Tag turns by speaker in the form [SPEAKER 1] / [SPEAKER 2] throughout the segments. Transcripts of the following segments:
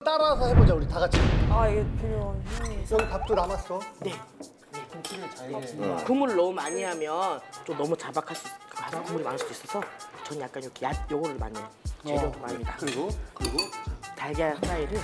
[SPEAKER 1] 따라서 해보자 우리 다 같이.
[SPEAKER 2] 아 이게 필요한.
[SPEAKER 1] 여기 밥도 남았어.
[SPEAKER 3] 네.
[SPEAKER 1] 김치를 잘게.
[SPEAKER 3] 국물을 너무 많이 하면 좀 너무 자박할 수 있어서 국물이 많을 수도 있어서 저는 약간 이렇게 요거를 많이 해요. 재료 많이 다.
[SPEAKER 1] 그리고
[SPEAKER 3] 달걀 프라이를.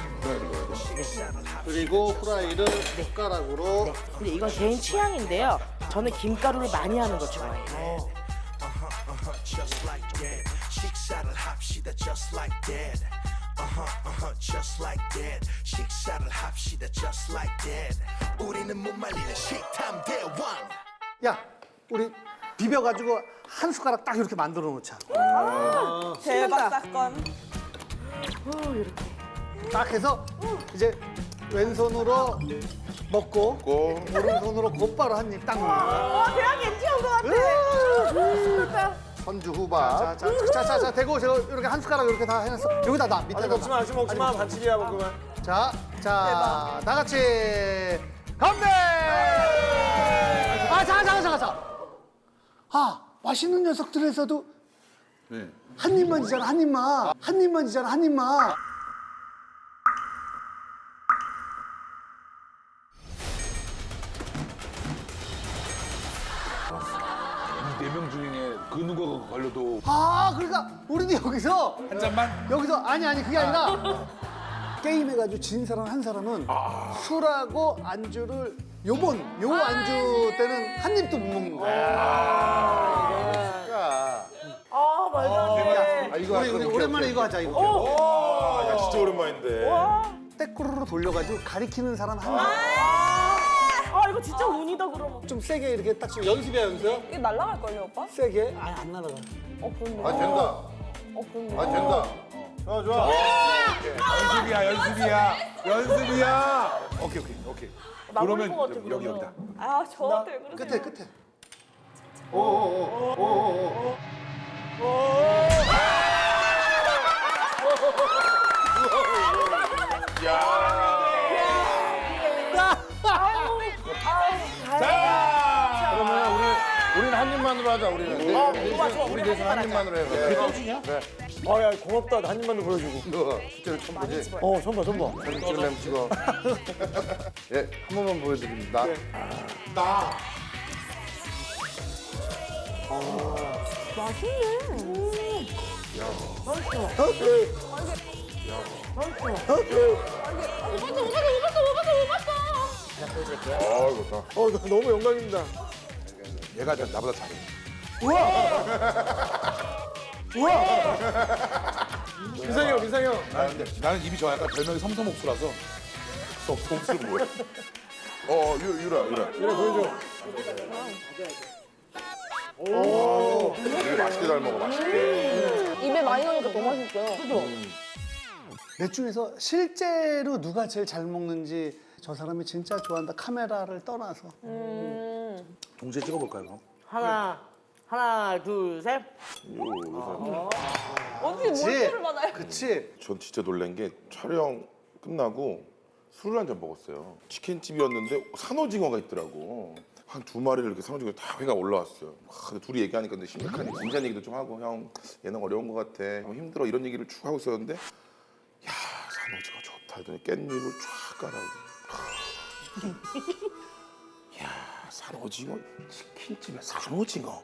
[SPEAKER 1] 그리고 후라이를 숟가락으로.
[SPEAKER 3] 네. 근데 이건 개인 취향인데요. 저는 김가루를 많이 하는 거 좋아해요.
[SPEAKER 4] Just like that. 식사를 합시다. Just like that. Just like that. 식사를 합시다. Just like that. 우리는 못 말리는 식탐 대왕.
[SPEAKER 1] 야, 우리 비벼가지고 한 숟가락 딱 이렇게 만들어 놓자.
[SPEAKER 2] 대박 사건.
[SPEAKER 3] 이렇게.
[SPEAKER 1] 딱 해서 이제 왼손으로 먹고 오른손으로 곧바로 한 입 딱 먹는 거야.
[SPEAKER 2] 와 대학 엔지 온것 같아.
[SPEAKER 5] 선주 후밥.
[SPEAKER 1] 자, 대고 제가 이렇게 한 숟가락 이렇게 다 해놨어. 여기다 놔, 밑에다 놔.
[SPEAKER 6] 먹지 마. 반칙이야, 먹으면.
[SPEAKER 1] 자, 다 같이 건배! 잠깐. 아, 맛있는 녀석들에서도 한 입만 지잖아, 한 입만.
[SPEAKER 7] 이 4명 중에 그 누가 걸려도
[SPEAKER 1] 아, 그러니까 우리도 여기서
[SPEAKER 7] 한 잔만?
[SPEAKER 1] 여기서 아니 그게 아니라 게임 해가지고 진 사람 한 사람은 술하고 안주를 요 안주 때는 한 입도 못 먹는 거야.
[SPEAKER 2] 아 말도 안 돼.
[SPEAKER 5] 아, 이거
[SPEAKER 1] 우리 오랜만에 이거 하자 이거.
[SPEAKER 6] 야, 진짜 오랜만인데.
[SPEAKER 1] 때꾸르르 돌려가지고 가리키는 사람 한 명.
[SPEAKER 2] 아 이거 진짜 운이다 그러면.
[SPEAKER 1] 좀 세게 이렇게 딱 지금 연습이야 연습.
[SPEAKER 2] 이게 날라갈 걸요 오빠?
[SPEAKER 1] 세게. 아니 안 날아가.
[SPEAKER 2] 그런데.
[SPEAKER 5] 아, 된다.
[SPEAKER 2] 그런데.
[SPEAKER 5] 아, 된다.
[SPEAKER 6] 좋아. 연습이야. 오케이.
[SPEAKER 2] 나올
[SPEAKER 6] 그러면
[SPEAKER 2] 것 같아,
[SPEAKER 6] 여기,
[SPEAKER 2] 그러면.
[SPEAKER 6] 여기다.
[SPEAKER 2] 아 저한테 왜 그러세요?
[SPEAKER 1] 끝에.
[SPEAKER 5] 그러면 우리는 한 입만으로 하자, 우리는. 우리 대신 한 입만으로 해. 그래.
[SPEAKER 1] 떠주냐?
[SPEAKER 6] 아, 야, 고맙다. 한 입만도 보여주고.
[SPEAKER 5] 너 실제로 처음 보지?
[SPEAKER 6] 처음 봐.
[SPEAKER 5] 사진 찍으려면 찍어. 예, 한 번만 보여드립니다.
[SPEAKER 7] 아 이거 다
[SPEAKER 6] 너무 영광입니다.
[SPEAKER 7] 얘가 나보다 잘해.
[SPEAKER 6] 민상이 형.
[SPEAKER 7] 나는 입이 좋아. 약간 별명이 섬섬옥수라서. 섬섬옥수 뭐야? 유라.
[SPEAKER 6] 이래 보여줘.
[SPEAKER 7] 되게 맛있게 잘 먹어, 맛있게.
[SPEAKER 2] 입에 많이 넣으니까 너무 맛있어요. 그죠?
[SPEAKER 1] 넷 중에서 실제로 누가 제일 잘 먹는지 저 사람이 진짜 좋아한다. 카메라를 떠나서.
[SPEAKER 7] 동시에 찍어볼까요, 그럼?
[SPEAKER 3] 하나, 둘, 셋.
[SPEAKER 2] 어떻게 몰표를 받아요?
[SPEAKER 1] 그치?
[SPEAKER 7] 전 진짜 놀란 게 촬영 끝나고 술을 한 잔 먹었어요. 치킨집이었는데 산오징어가 있더라고. 한 2마리를 이렇게 산오징어 다 회가 올라왔어요. 근데 둘이 얘기하니까 근데 심각한 진지한 얘기도 좀 하고 형 예능 어려운 것 같아. 형 힘들어 이런 얘기를 쭉 하고 있었는데 야 산오징어 좋다 하더니 깻잎을 쫙 깔아오고. 야 산오징어 치킨집에 산오징어.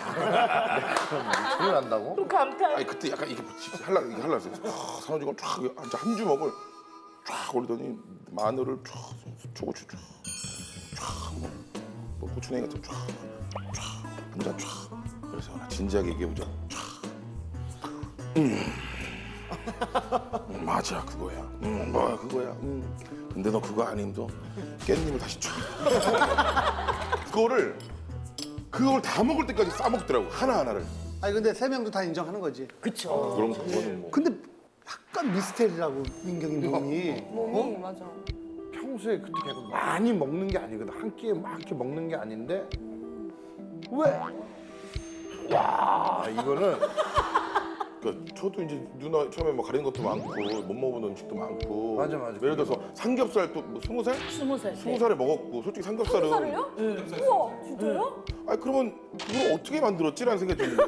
[SPEAKER 5] 소리 난다고?
[SPEAKER 2] 또 감탄.
[SPEAKER 7] 아니 그때 약간 이게 할라 했어요. 산오징어 쫙 한 주먹을 쫙 올리더니 마늘을 쫙 초고추 쫙 뭐 고추냉이 같은 쫙 한잔 쫙. 그래서 하나 진지하게 얘기해보자. 맞아 그거야. 그거야. 근데 너 그거 아니면 너 깻잎을 다시 쫙. 그걸 다 먹을 때까지 싸먹더라고 하나하나를.
[SPEAKER 1] 아니 근데 세 명도 다 인정하는 거지.
[SPEAKER 3] 그쵸.
[SPEAKER 7] 그럼 그거는 뭐.
[SPEAKER 1] 근데 약간 미스테리라고 민경이 몸이.
[SPEAKER 2] 몸이 맞아.
[SPEAKER 5] 평소에 그렇게 계속 많이 먹는 게 아니거든. 한 끼에 막 이렇게 먹는 게 아닌데 왜? 와, 이거는
[SPEAKER 7] 그러니까 저도 이제 누나 처음에 뭐 가린 것도 많고 못 먹어본 음식도 많고.
[SPEAKER 5] 맞아.
[SPEAKER 7] 예를 들어서 삼겹살 또뭐 20살?
[SPEAKER 3] 20살.
[SPEAKER 7] 20살에 먹었고 솔직히 삼겹살은.
[SPEAKER 2] 살을요? 우와 진짜요?
[SPEAKER 7] 아니 그러면 그걸 어떻게 만들었지라는 생각이 드는데.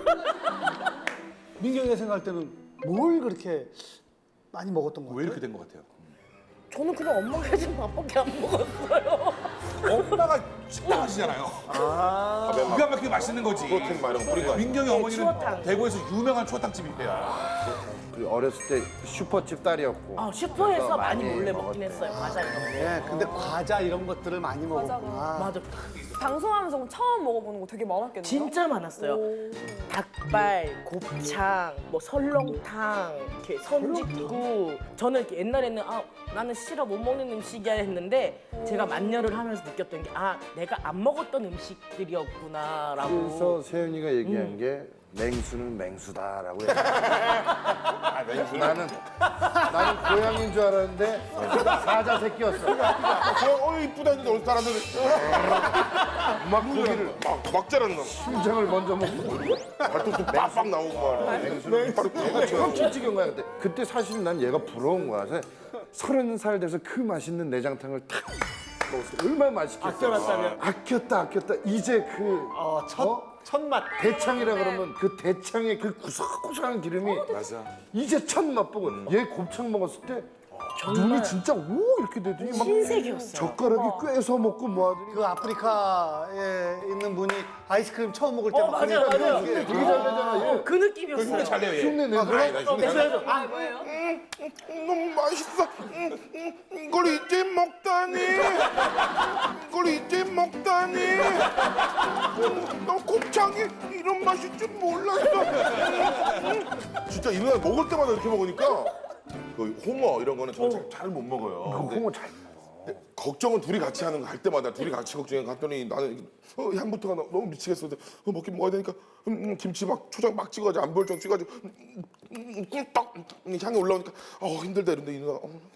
[SPEAKER 1] 민경이가 생각할 때는 뭘 그렇게 많이 먹었던 거
[SPEAKER 7] 왜
[SPEAKER 1] 같아?
[SPEAKER 7] 이렇게 된 것 같아요?
[SPEAKER 3] 저는 그냥 엄마가 해준 밥밖에 안 먹었어요.
[SPEAKER 8] 엄마가 식당 하시잖아요. 기가 막히게 맛있는 거지.
[SPEAKER 7] 프로틴 막 이런 거 뿌린 거 아니야?
[SPEAKER 8] 민경이 어머니는
[SPEAKER 3] 추어탕.
[SPEAKER 8] 대구에서 유명한 추어탕집이에요.
[SPEAKER 5] 그 어렸을 때 슈퍼집 딸이었고.
[SPEAKER 3] 아, 슈퍼에서
[SPEAKER 5] 그래서
[SPEAKER 3] 많이 몰래
[SPEAKER 5] 먹었대.
[SPEAKER 3] 먹긴 했어요. 과자 이런 거.
[SPEAKER 1] 예, 근데 과자 이런 것들을 많이 먹었구나.
[SPEAKER 3] 맞아.
[SPEAKER 2] 방송하면서 그럼 처음 먹어보는 거 되게 많았겠네요.
[SPEAKER 3] 진짜 많았어요. 닭발, 곱창, 뭐 설렁탕, 이렇게 선짓국. 저는 이렇게 옛날에는 나는 싫어 못 먹는 음식이야 했는데 제가 만녀를 하면서 느꼈던 게 내가 안 먹었던 음식들이었구나라고.
[SPEAKER 5] 그래서 세윤이가 얘기한 게 맹수는 맹수다라고 얘기해. 나는 고양이인 줄 알았는데 사자 새끼였어.
[SPEAKER 7] 이쁘다 했는데 어느 사람들은
[SPEAKER 5] 막 고기를
[SPEAKER 7] 막 자라는 거.
[SPEAKER 5] 심장을 먼저 먹고
[SPEAKER 7] 발톱도 빡빡 나오고 막.
[SPEAKER 5] 맹수는 처음 김치경 거야 그때 사실 난 얘가 부러운 거야. 그래서 30살 돼서 그 맛있는 내장탕을 탁 먹었어. 얼마나 맛있겠어.
[SPEAKER 6] 아껴놨다면?
[SPEAKER 5] 아꼈다. 이제 그
[SPEAKER 6] 첫맛.
[SPEAKER 5] 대창이라 그러면 그 대창의 그 구석구석한 기름이
[SPEAKER 6] 맞아.
[SPEAKER 5] 이제 첫 맛보고 얘 곱창 먹었을 때 눈이 진짜 오 이렇게 되더니 막
[SPEAKER 3] 흰색이었어요.
[SPEAKER 5] 젓가락이 꿰서 먹고 뭐 하더니
[SPEAKER 1] 그 아프리카에 있는 분이 아이스크림 처음 먹을 때 막
[SPEAKER 3] 맞아요, 맞아요.
[SPEAKER 5] 되게 잘 되잖아 얘.
[SPEAKER 3] 그 느낌이었어요.
[SPEAKER 7] 잘 내요 얘.
[SPEAKER 5] 흉내 내는
[SPEAKER 7] 너무 맛있어. 이걸 이제 먹다니. 이걸 이제 먹다니. 너 곱창이 이런 맛일 줄 몰랐어. 진짜 이 누나 먹을 때마다 이렇게 먹으니까 그 홍어 이런 거는 저는 잘 못 먹어요. 근데
[SPEAKER 5] 홍어 잘
[SPEAKER 7] 걱정은 둘이 같이 하는 거 할 때마다 둘이 같이 걱정해 갔더니 나는 향부터가 너무 미치겠어. 근데 먹긴 먹어야 되니까 김치 막 초장 막 찍어가지고 안 보일 정도 찍어가지고 꿀떡 향이 올라오니까 힘들다 이런데 이 누나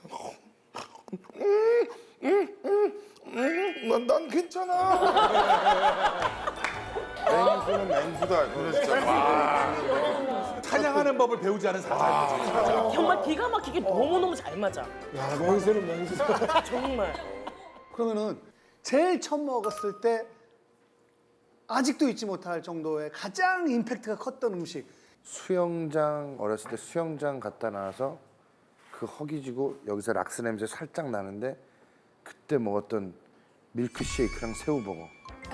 [SPEAKER 7] 난 괜찮아. 맹수는 맹수다. 그래서 진짜 와.
[SPEAKER 8] 찬양하는 법을 배우지 않은 사자인 거지.
[SPEAKER 3] 정말 기가 막히게 너무너무 잘 맞아.
[SPEAKER 6] 야, 맹수는 맹수다.
[SPEAKER 3] 정말.
[SPEAKER 1] 그러면은 제일 처음 먹었을 때 아직도 잊지 못할 정도의 가장 임팩트가 컸던 음식.
[SPEAKER 5] 수영장 어렸을 때 수영장 갔다 나와서 그 허기지고 여기서 락스 냄새 살짝 나는데 그때 먹었던 밀크쉐이크랑 새우버거.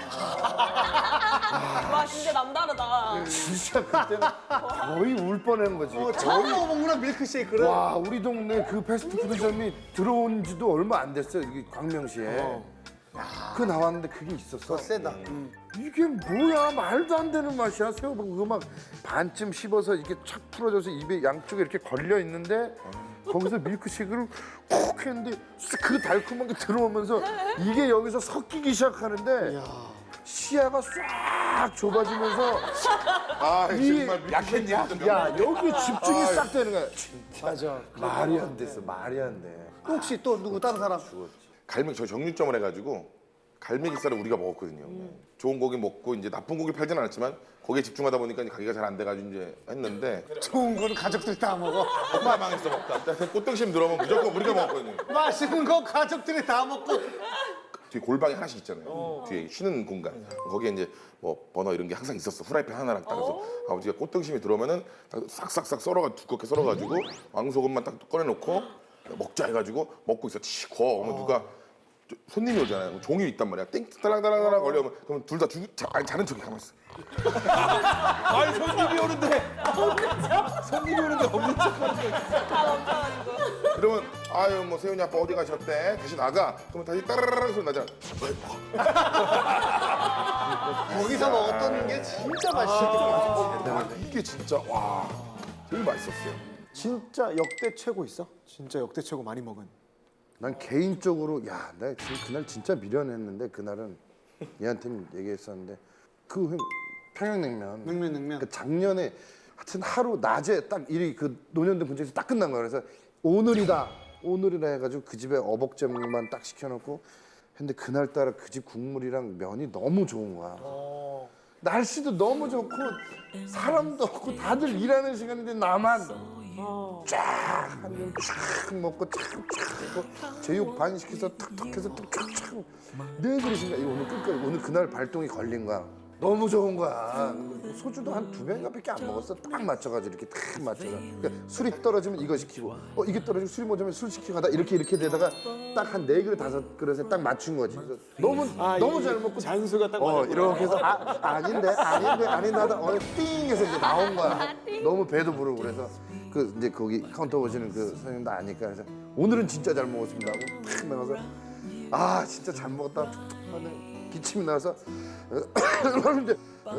[SPEAKER 2] 와 진짜 남다르다.
[SPEAKER 5] 진짜 그때는 거의 울 뻔한 거지.
[SPEAKER 1] 처음 먹어보구나 밀크쉐이크를.
[SPEAKER 5] 와 우리 동네 그 패스트푸드점이 들어온 지도 얼마 안 됐어요. 여기 광명시에. 그 나왔는데 그게 있었어.
[SPEAKER 1] 세다.
[SPEAKER 5] 이게 뭐야 말도 안 되는 맛이야. 새우버거 그거 막 반쯤 씹어서 이렇게 착 풀어져서 입에 양쪽에 이렇게 걸려 있는데 거기서 밀크쉐이크를 콕 했는데 그 달콤한 게 들어오면서 이게 여기서 섞이기 시작하는데 시야가 싹 좁아지면서
[SPEAKER 7] 정말
[SPEAKER 5] 약했냐? 야 여기 집중이 싹 되는 거야. 진짜
[SPEAKER 1] 맞아.
[SPEAKER 5] 말이 안 됐어. 말이 안 돼.
[SPEAKER 1] 혹시 또 누구 다른 사람?
[SPEAKER 7] 갈매기 저 정육점을 해가지고 갈매기살을 우리가 먹었거든요. 좋은 고기 먹고 이제 나쁜 고기 팔진 않았지만 거기에 집중하다 보니까 이제 가게가 잘 안 돼가지고 이제 했는데
[SPEAKER 1] 좋은 거는 가족들이 다 먹어.
[SPEAKER 7] 엄마 망했어 먹다. 꽃등심 들어오면 무조건 우리가 먹었거든요.
[SPEAKER 1] 맛있는 거 가족들이 다 먹고.
[SPEAKER 7] 뒤에 골방이 하나씩 있잖아요. 뒤에 쉬는 공간. 거기에 이제 뭐 버너 이런 게 항상 있었어. 후라이팬 하나랑 딱 해서 아버지가 꽃등심이 들어오면은 딱 싹싹싹 썰어가 두껍게 썰어가지고 왕소금만 딱 꺼내놓고 먹자 해가지고 먹고 있어. 치 구워. 그러면 누가 손님이 오잖아요. 종이 있단 말이야. 땡 따랑따랑따랑 걸려면 그러면 둘 다 자는 척이 가만 있어.
[SPEAKER 8] 아니 손님이 오는데. 손님이 오는데 없는 척하는 거.
[SPEAKER 2] 다 넘쳐가지고.
[SPEAKER 7] 그러면 아유 뭐 세훈이 아빠 어디 가셨대? 다시 나가. 그러면 다시 따라라라 소리 나잖아.
[SPEAKER 1] 거기서 먹었던 게 진짜 맛있었어.
[SPEAKER 7] 이게 진짜 와 제일 맛있었어요.
[SPEAKER 6] 진짜 역대 최고 있어? 진짜 역대 최고 많이 먹은.
[SPEAKER 5] 난 개인적으로 야, 나 지금 그날 진짜 미련했는데 그날은 얘한테는 얘기했었는데 그 평양냉면.
[SPEAKER 1] 냉면.
[SPEAKER 5] 그 작년에 하여튼 하루 낮에 딱 일이 그 논현동 근처에서 딱 끝난 거야. 그래서 오늘이다 해가지고 그 집에 어복잼만 딱 시켜놓고 근데 그날따라 그 집 국물이랑 면이 너무 좋은 거야. 날씨도 너무 좋고 사람도 없고 다들 일하는 시간인데 나만 쫙 먹고 쫙 먹고 제육 반 시켜서 탁탁해서 탁탁 네 그릇인가 이거 오늘 끝까지 오늘 그날 발동이 걸린 거야. 너무 좋은 거야. 소주도 한 2병인가밖에 안 먹었어. 딱 맞춰가지고 이렇게 딱 맞춰서. 그러니까 술이 떨어지면 이거 시키고, 이게 떨어지면 술이 모자면 술 시키고 하다 이렇게 되다가 딱 한 4그릇 5그릇에 딱 맞춘 거지. 그래서 너무 잘 먹고
[SPEAKER 6] 잔수가 딱 맞아.
[SPEAKER 5] 이렇게 해서 아닌데 하다 띵 해서 이제 나온 거야. 너무 배도 부르고 그래서 그 이제 거기 카운터 오시는 그 선생님도 아니까 그래서 오늘은 진짜 잘 먹었습니다 하고 탁 나가서 아 진짜 잘 먹었다 툭툭 하는 기침이 나서 그러는데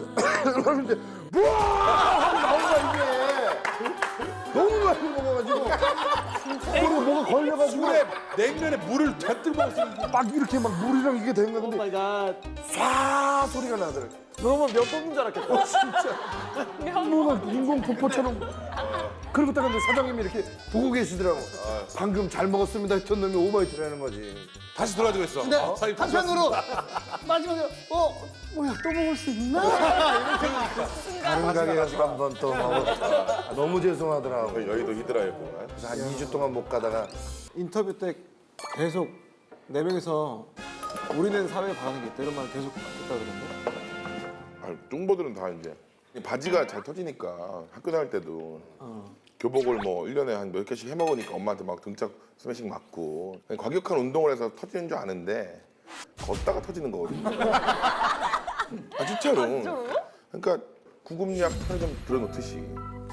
[SPEAKER 5] 뭐야 하고 나온 거야 이게 너무 많이 먹어가지고 그리고 뭐가 걸려가지고
[SPEAKER 8] 술에 냉면에 물을 잔뜩 먹었으면
[SPEAKER 5] 막 이렇게 막 물이랑 이게 된 거야
[SPEAKER 6] 오
[SPEAKER 5] 근데
[SPEAKER 6] 마이 갓.
[SPEAKER 5] 쏴 소리가 나더라고.
[SPEAKER 6] 너무 몇 번인 줄 알았겠다.
[SPEAKER 5] 진짜 뭔가 인공 폭포처럼 그리고 딱 근데 사장님이 이렇게 보고 계시더라고. 방금 잘 먹었습니다 했던 놈이 오버히트라는 거지.
[SPEAKER 8] 다시 돌아가지고 있어.
[SPEAKER 1] 근데
[SPEAKER 8] 사장님
[SPEAKER 1] 한편으로 마지막에 뭐야 또 먹을 수 있나?
[SPEAKER 5] 다른 가게 가서 한 번 또 먹었다. 너무 죄송하더라고.
[SPEAKER 7] 여의도 히드라였구만.
[SPEAKER 5] 그래서 한 2주 동안 못 가다가
[SPEAKER 6] 인터뷰 때 계속 4명이서 우리는 사회에 바라는 게 있다 이런 말 계속 했다 그러는데.
[SPEAKER 7] 뚱보들은 다 이제 바지가 잘 터지니까 학교 다닐 때도 교복을 뭐 1년에 한 몇 개씩 해 먹으니까 엄마한테 막 등짝 스매싱 맞고 과격한 운동을 해서 터지는 줄 아는데 걷다가 터지는 거거든요. 아 진짜로. 그러니까 구급약 편의점 들어놓듯이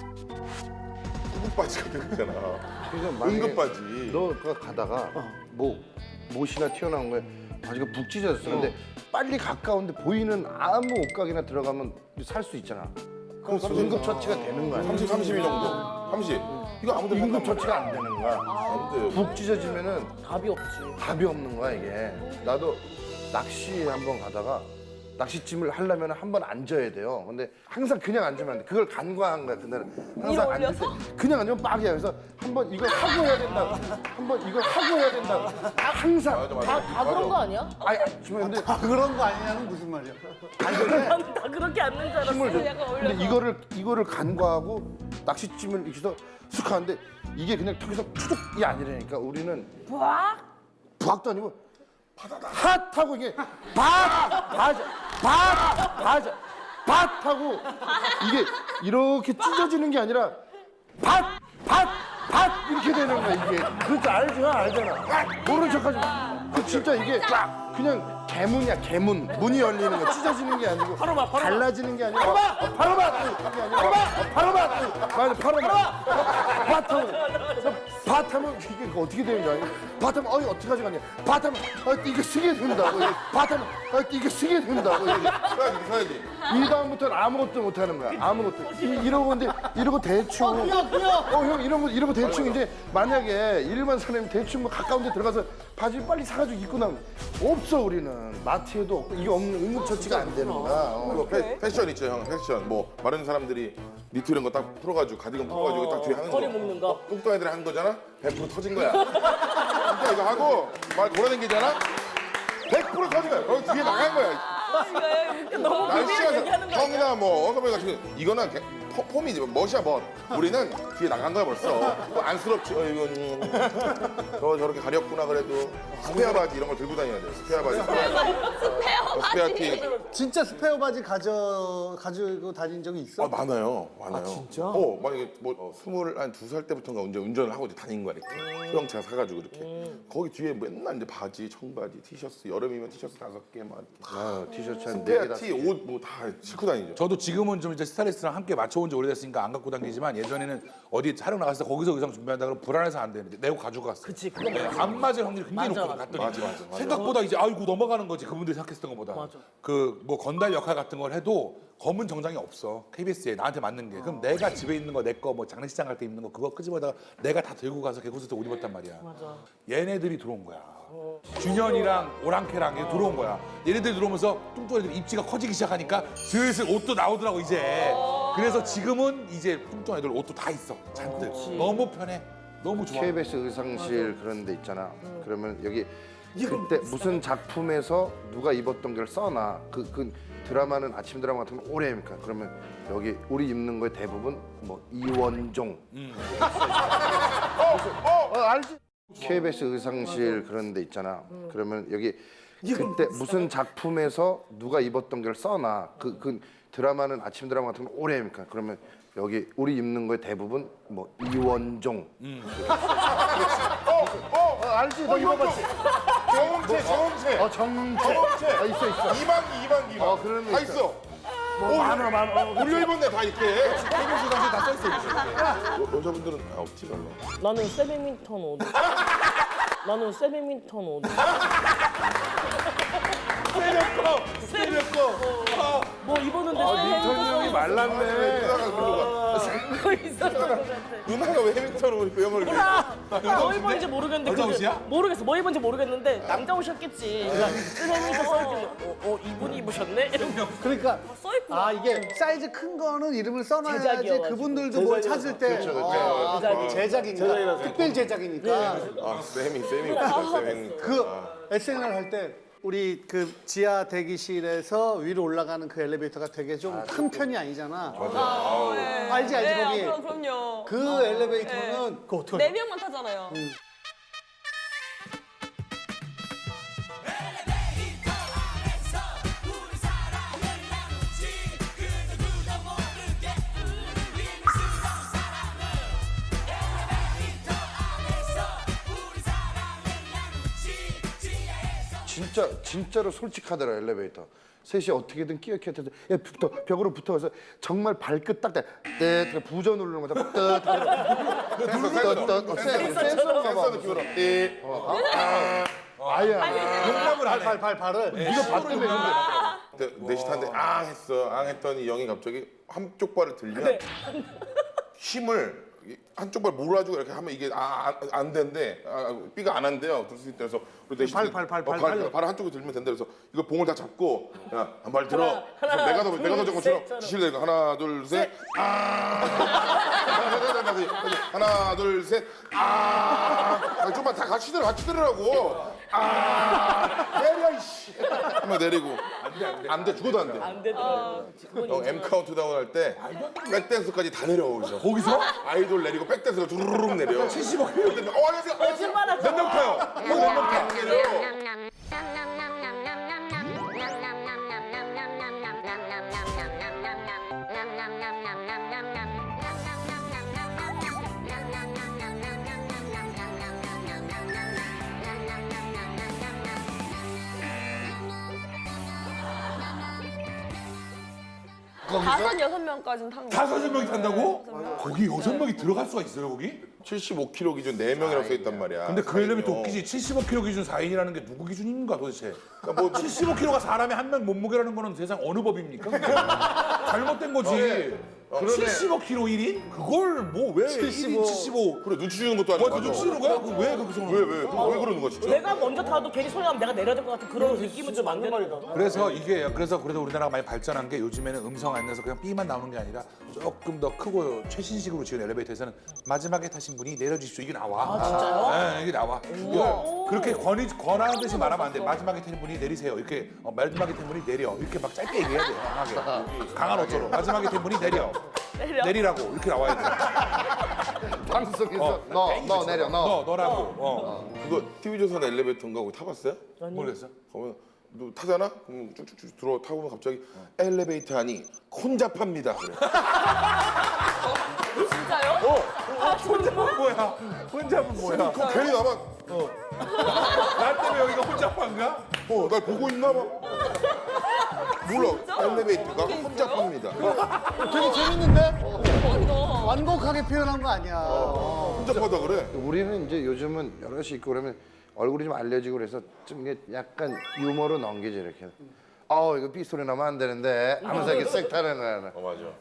[SPEAKER 7] 구급 바지가 되는 거잖아.
[SPEAKER 5] 그래서
[SPEAKER 7] 응급 바지.
[SPEAKER 5] 너가 가다가 못이나 튀어나온 거에 바지가 북 찢어졌어. 근데 빨리 가까운데 보이는 아무 옷가게나 들어가면 살 수 있잖아. 그럼 응급처치가 되는 거야.
[SPEAKER 7] 30, 32 정도. 30. 이거 아무도
[SPEAKER 5] 응급처치가 안 되는 거야.
[SPEAKER 7] 안 돼요.
[SPEAKER 5] 북 찢어지면은
[SPEAKER 3] 답이 없지.
[SPEAKER 5] 답이 없는 거야 이게. 나도 낚시 한번 가다가 낚시찜을 하려면 한 번 앉아야 돼요. 근데 항상 그냥 앉으면 안 돼. 그걸 간과한 거야 그날은. 항상 앉을 때 그냥 앉으면 빡이야. 그래서 한 번 이걸 하고 해야 된다고. 한 번 이걸 하고 해야 된다고. 항상.
[SPEAKER 3] 다 그런 거 아니야?
[SPEAKER 5] 아니 지금 근데
[SPEAKER 1] 그런 거 아니냐는 무슨 말이야?
[SPEAKER 3] 나는 다 그렇게 앉는 줄 알았어.
[SPEAKER 5] 힘을 줘.
[SPEAKER 2] 약간
[SPEAKER 5] 근데 이거를 간과하고 낚시찜을 이렇게 해서 쑥 하는데 이게 그냥 턱에서 푸둑이 아니라니까 우리는 부학도 아니고 핫하고 이게 밭하고 이게 이렇게 찢어지는 게 아니라 밭 이렇게 되는 거야 이게. 그렇지 알잖아. 모른 척하지 마. 그 진짜 이게 그냥 개문이야 개문. 문이 열리는 거 찢어지는 게 아니고 갈라지는 게 아니라 밭하면 이게 어떻게 되는 줄 알아요? 밭하면 어떻게 가져가냐? 밭하면 이게 쓰게 된다고. 밭하면 이게 쓰게 된다고.
[SPEAKER 7] 서야지.
[SPEAKER 5] 이 다음부터는 아무것도 못 하는 거야. 아무것도. 이러고 근데 이러고 대충. 형 이러고 대충 이제 만약에 일반 사람이 대충 뭐 가까운 데 들어가서 바지 빨리 사가지고 입고 나면 없어 우리는. 마트에도 없고 이게 없는 응급처치가 안 되는 거야.
[SPEAKER 7] 그거 패션 있죠 형 패션 뭐 마른 사람들이 니트 이런 거 딱 풀어가지고 가디건 풀어가지고 딱 뒤에 하는 거
[SPEAKER 3] 허리 묶는 거.
[SPEAKER 7] 뚱뚱 애들이 하는 거잖아 100% 터진 거야 진짜 이거 하고 막 돌아다니잖아 100% 터진 거야 거기 뒤에 나간 거야
[SPEAKER 3] 너무
[SPEAKER 7] 날씨가
[SPEAKER 3] 얘기하는 거 아니야?
[SPEAKER 7] 형이나 뭐 어서보이 같은 이거는 폼이지 멋이야 멋 우리는 뒤에 나간 거야 벌써 뭐 안쓰럽지 이건 저렇게 가렸구나 그래도 스페어 바지 이런 걸 들고 다녀야 돼 스페어 바지 스페어 티
[SPEAKER 1] 진짜 스페어 바지 가지고 다닌 적이 있어?
[SPEAKER 7] 많아요.
[SPEAKER 6] 진짜?
[SPEAKER 7] 만약에 뭐 22살 때부터인가 운전을 하고 이제 다닌 거야 이렇게. 소형차 사가지고 이렇게. 거기 뒤에 맨날 이제 바지, 청바지, 티셔츠, 여름이면 티셔츠 5개 막.
[SPEAKER 5] 티셔츠 한
[SPEAKER 7] 스페어
[SPEAKER 5] 4개 다.
[SPEAKER 7] 티, 옷 뭐 다 싣고 다니죠.
[SPEAKER 8] 저도 지금은 좀 이제 스타일리스트랑 함께 맞춰온 지 오래됐으니까 안 갖고 다니지만 예전에는 어디 촬영 나갔을 때 거기서 의상 준비한다 그러면 불안해서 안 되는데 내고 가지고 갔어.
[SPEAKER 3] 그치, 그건
[SPEAKER 8] 안 맞을 확률이 굉장히
[SPEAKER 3] 맞아,
[SPEAKER 8] 높거든. 갔더니
[SPEAKER 7] 맞아.
[SPEAKER 8] 생각보다 이제 아이고 넘어가는 거지 그분들이 생각했던 것보다.
[SPEAKER 3] 맞아.
[SPEAKER 8] 그 뭐 건달 역할 같은 걸 해도 검은 정장이 없어 KBS에 나한테 맞는 게. 그럼 내가 집에 있는 거 내 거 뭐 장례식장 갈 때 입는 거 그거 끄집어다가 내가 다 들고 가서 개콘서트 옷 입었단 말이야.
[SPEAKER 3] 맞아.
[SPEAKER 8] 얘네들이 들어온 거야. 준현이랑 오랑캐랑 얘 들어온 거야. 얘네들 들어오면서 뚱뚱 애들 입지가 커지기 시작하니까 슬슬 옷도 나오더라고 이제. 그래서 지금은 이제 뚱뚱 애들 옷도 다 있어 잔뜩. 너무 편해. 너무 좋아.
[SPEAKER 5] KBS 의상실 그런 데 있잖아. 그러면 여기 그때 무슨 작품에서 누가 입었던 걸 써놔. 그 드라마는 아침 드라마 같은 거 오래니까 그러면 여기 우리 입는 거에 대부분 뭐 이원종. 알지? KBS 의상실 그런 데 있잖아. 그러면 여기 그때 무슨 작품에서 누가 입었던 걸 써놔. 그 드라마는 아침 드라마 같은 거 오래 합니까? 그러면 여기 우리 입는 거에 대부분 뭐 이원종. 알지? 너 입어봤지?
[SPEAKER 7] 정체.
[SPEAKER 5] 정체. 있어.
[SPEAKER 7] 이만기.
[SPEAKER 5] 그런 거
[SPEAKER 7] 다
[SPEAKER 5] 있어.
[SPEAKER 7] 있어.
[SPEAKER 5] 많아.
[SPEAKER 7] 우리 입었네 다 이렇게.
[SPEAKER 8] KBS 당시에 다 써있어요.
[SPEAKER 7] 여자분들은 없지 별로.
[SPEAKER 3] 나는 세배민턴 옷. 나는 세배민턴 옷. 뭐 입었는데
[SPEAKER 5] 민턴이 형이 말랐네.
[SPEAKER 3] 그거 있었던 것 같아.
[SPEAKER 7] 누나가 왜 해밍턴을 입고 영어를 이렇게.
[SPEAKER 3] 뭐 입었는지 모르겠는데
[SPEAKER 8] 여자 옷이야?
[SPEAKER 3] 모르겠어. 뭐 입었는지 모르겠는데 남자 옷이었겠지. 그러니까 세배민턴 써있길래 이분이 입으셨네? 이러면
[SPEAKER 1] 그러니까
[SPEAKER 2] 써있구나.
[SPEAKER 1] 아 이게 사이즈 큰 거는 이름을 써놔야지
[SPEAKER 3] 제작이어가지고.
[SPEAKER 1] 그분들도 뭘 찾을 때 제작이니까 특별 제작이니까
[SPEAKER 7] 아 쌤이.
[SPEAKER 1] 그 SNL 할 때 우리 그 지하 대기실에서 위로 올라가는 그 엘리베이터가 되게 좀 큰 편이 아니잖아. 알지
[SPEAKER 2] 네,
[SPEAKER 1] 거기.
[SPEAKER 2] 그럼요.
[SPEAKER 1] 그 엘리베이터는 그 어떻게?
[SPEAKER 2] 네 명만 타잖아요.
[SPEAKER 5] 진짜로 솔직하더라 엘리베이터. 셋이 어떻게든 끼어끼어 해서 벽으로 붙어서 정말 발끝 딱 때 부저 누르는 거다. 센서인가 봐.
[SPEAKER 7] 느낌으로.
[SPEAKER 5] 아야.
[SPEAKER 8] 용납을 안 해.
[SPEAKER 1] 발을
[SPEAKER 5] 이거 봤다며 근데.
[SPEAKER 7] 넷이 탔는데 앙 했어. 앙 했더니 영이 갑자기 한쪽 발을 들면 힘을 한쪽 발 몰아주고 이렇게 하면 이게 안 된대. 삐가 안 한대요. 들 수 있다. 그래서 우리 넷이 발 한쪽에 들면 된다. 그래서 이거 봉을 다 잡고 야 한 발 들어. 그래서 내가 더 적고 지시를 내니까 하나 둘 셋. 하나 둘 셋. 좀만 다 같이 들으라고. 내려 이씨. 한번 내리고. 안 돼. 죽어도 안 돼.
[SPEAKER 3] 안 되더라고요.
[SPEAKER 7] 형 M 카운트다운 할 때 백댄스까지 다 내려오죠.
[SPEAKER 8] 거기서?
[SPEAKER 7] 아이돌 내리고 백댄스가 두루룩 내려. 75kg. 안녕하세요.
[SPEAKER 3] 거짓말하지 마.
[SPEAKER 7] 몇명 타요? 몇명 타? 내려.
[SPEAKER 2] 다섯 여섯 명까지는 탄 거.
[SPEAKER 8] 5명이 탄다고? 거기 6명이 들어갈 수가 있어요 거기?
[SPEAKER 7] 75kg 기준 4명이라고 써 있단 말이야.
[SPEAKER 8] 근데 그 엘리베이터 웃기지 75kg 기준 4인이라는 게 누구 기준인가 도대체?
[SPEAKER 7] 그러니까 뭐
[SPEAKER 8] 75kg가 사람의 한 명 몸무게라는 거는 세상 어느 법입니까? 잘못된 거지. 75kg 1인? 그걸 뭐 왜 1인 75?
[SPEAKER 7] 그래 눈치 주는 것도 아니고.
[SPEAKER 8] 뭐 눈치 주는 거야? 그 왜 그렇게 생각해?
[SPEAKER 7] 왜 그러는 거야 진짜?
[SPEAKER 3] 내가 먼저 타도 괜히 소리 나면 내가 내려야 될 것 같은 그런 느낌은 좀 안 되는 거.
[SPEAKER 8] 그래서 이게 그래도 우리나라가 많이 발전한 게 요즘에는 음성 안 내서 그냥 삐만 나오는 게 아니라 조금 더 크고 최신식으로 지은 엘리베이터에서는 마지막에 타신 분이 내려주십시오 이게 나와.
[SPEAKER 3] 아 진짜요?
[SPEAKER 8] 네, 이게 나와. 이거 그렇게 권하는 듯이 말하면 안 돼. 마지막에 타는 분이 내리세요. 이렇게 마지막에 타는 분이 내려. 이렇게 막 짧게 얘기해야 돼. 강하게. 강한 어조로. 마지막에 타는 분이 내려. 내리라고 이렇게 나와야 돼.
[SPEAKER 5] 방송에서 너 내려 너.
[SPEAKER 8] 너라고.
[SPEAKER 7] 그거 TV조선 엘리베이터인가 거기 타봤어요?
[SPEAKER 8] 모르겠어.
[SPEAKER 7] 그러면 너 타잖아? 그럼 쭉쭉쭉 들어 타고 보면 갑자기 엘리베이터 안이 혼잡합니다. 그래.
[SPEAKER 2] 진짜요?
[SPEAKER 8] 뭐야? 혼자면 뭐야?
[SPEAKER 7] 그럼 괜히 나만
[SPEAKER 8] 나 때문에 여기가 혼자판가?
[SPEAKER 7] 날 보고 있나 봐. 몰라. 엘리베이터가 혼잡합니다.
[SPEAKER 1] 되게 재밌는데? 완곡하게 표현한 거 아니야.
[SPEAKER 7] 혼잡하다 그래.
[SPEAKER 5] 우리는 이제 요즘은 여럿이 있고 그러면 얼굴이 좀 알려지고 그래서 좀 이게 약간 유머로 넘기지 이렇게. 이거 삐 소리 나면 안 되는데 하면서 이렇게 쓱 타는 거야.
[SPEAKER 7] 맞아.